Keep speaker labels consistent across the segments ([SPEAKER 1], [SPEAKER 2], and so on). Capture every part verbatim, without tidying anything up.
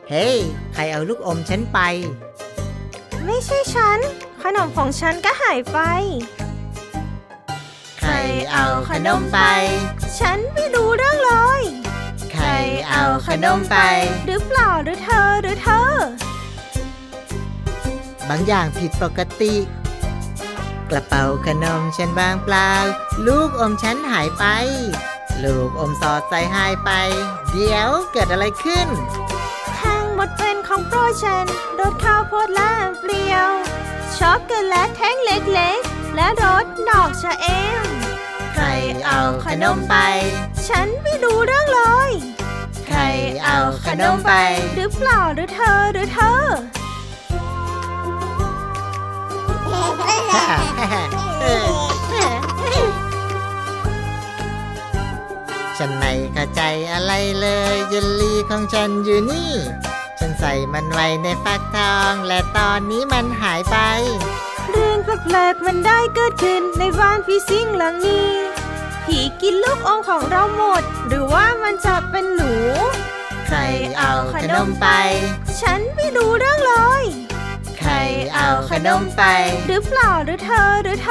[SPEAKER 1] เฮ้ยใครเอาลูกอมฉันไป
[SPEAKER 2] ไม่ใช่ฉันขนมของฉันก็หายไป
[SPEAKER 1] ใครเอาขนมไป
[SPEAKER 2] ฉันไม่รู้เรื่องเลย
[SPEAKER 1] ใครเอาขนมไป
[SPEAKER 2] หรือเปล่าหรือเธอหรือเธ
[SPEAKER 1] อบางอย่างผิดปกติกระเป๋าขนมฉันว่างเปล่าลูกอมฉันหายไปลูกอมสอดใส่หายไปเดี๋ยวเกิดอะไรขึ้น
[SPEAKER 2] ทั้งหมดเป็นของโปรดฉันรสข้าวโพดและเปรี้ยวช็อกโกแลตแท่งเล็กๆและรสดอกชะเอม
[SPEAKER 1] ใครเอาขนมไป
[SPEAKER 2] ฉันไม่รู้เรื่องเลย
[SPEAKER 1] ใครเอาขนมไป
[SPEAKER 2] หรือเปล่าหรือเธอหรือเธอ
[SPEAKER 1] ฉันไม่เข้าใจอะไรเลยเยลลี่ของฉันอยู่นี่ฉันใส่มันไว้ในฟักทองและตอนนี้มันหายไป
[SPEAKER 2] เรื่องแปลกๆมันได้เกิดขึ้นในบ้านผีสิงหลังนี้ผีกินลูกอมของเราหมดหรือว่ามันจะเป็นหนู
[SPEAKER 1] ใครเอาขนมไป
[SPEAKER 2] ฉันไม่รู้เรื่องเลย
[SPEAKER 1] ใครเอาขนมไป
[SPEAKER 2] หรือเปล่าหรือเธอหรือเธ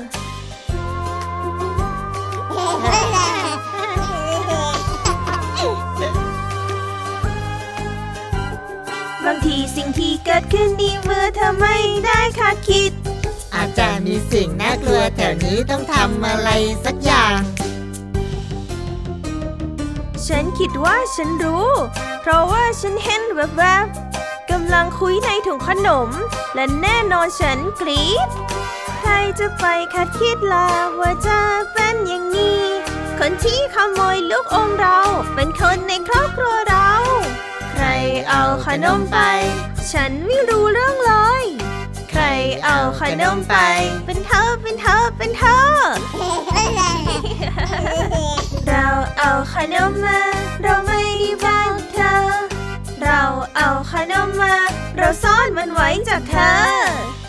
[SPEAKER 2] อบางทีสิ่งที่เกิดขึ้นนี้เมื่อเธอไม่ได้คาดคิด
[SPEAKER 1] อาจจะมีสิ่งน่ากลัวแถวนี้ต้องทำอะไรสักอย่าง
[SPEAKER 2] ฉันคิดว่าฉันรู้เพราะว่าฉันเห็นแวบๆกำลังคุยในถุงขนมและแน่นอนฉันกรี๊ดใครจะไปคาดคิดล่ะว่าจะเป็นอย่างนี้คนที่ขโมยลูกอมเราเป็นคนในครอบครัวเรา
[SPEAKER 1] ใครเอาขนมไป
[SPEAKER 2] ฉันไม่รู้เรื่องเลย
[SPEAKER 1] ใครเอาขนมไป
[SPEAKER 2] เป็นเธอเป็นเธอเป็นเธอ เราเอาขนมมาเราไม่ได้บ้านเธอเราเอาขนมมาเราซ่อนมันไว้จากเธอ